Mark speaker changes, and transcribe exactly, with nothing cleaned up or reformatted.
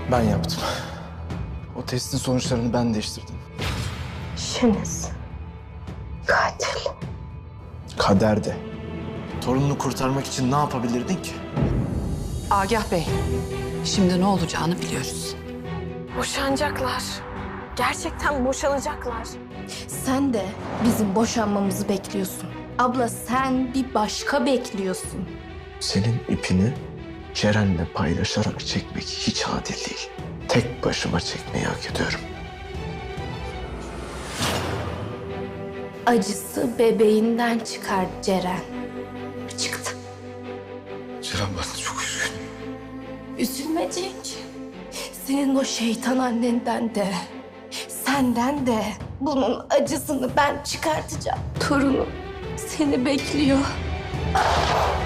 Speaker 1: Ben yaptım. O testin sonuçlarını ben değiştirdim.
Speaker 2: Şeniz. Katil.
Speaker 1: Kader de. Torununu kurtarmak için ne yapabilirdin ki?
Speaker 3: Agah Bey, şimdi ne olacağını biliyoruz.
Speaker 2: Boşanacaklar. Gerçekten boşanacaklar.
Speaker 4: Sen de bizim boşanmamızı bekliyorsun. Abla sen bir başka bekliyorsun.
Speaker 1: Senin ipini Ceren'le paylaşarak çekmek hiç adil değil. Tek başıma çekmeyi hak ediyorum.
Speaker 4: Acısı bebeğinden çıkar Ceren. Çıktı.
Speaker 1: Ceren, ben çok üzgünüm.
Speaker 4: Üzülme Cenk. Senin o şeytan annenden de, senden de bunun acısını ben çıkartacağım. Torunum seni bekliyor.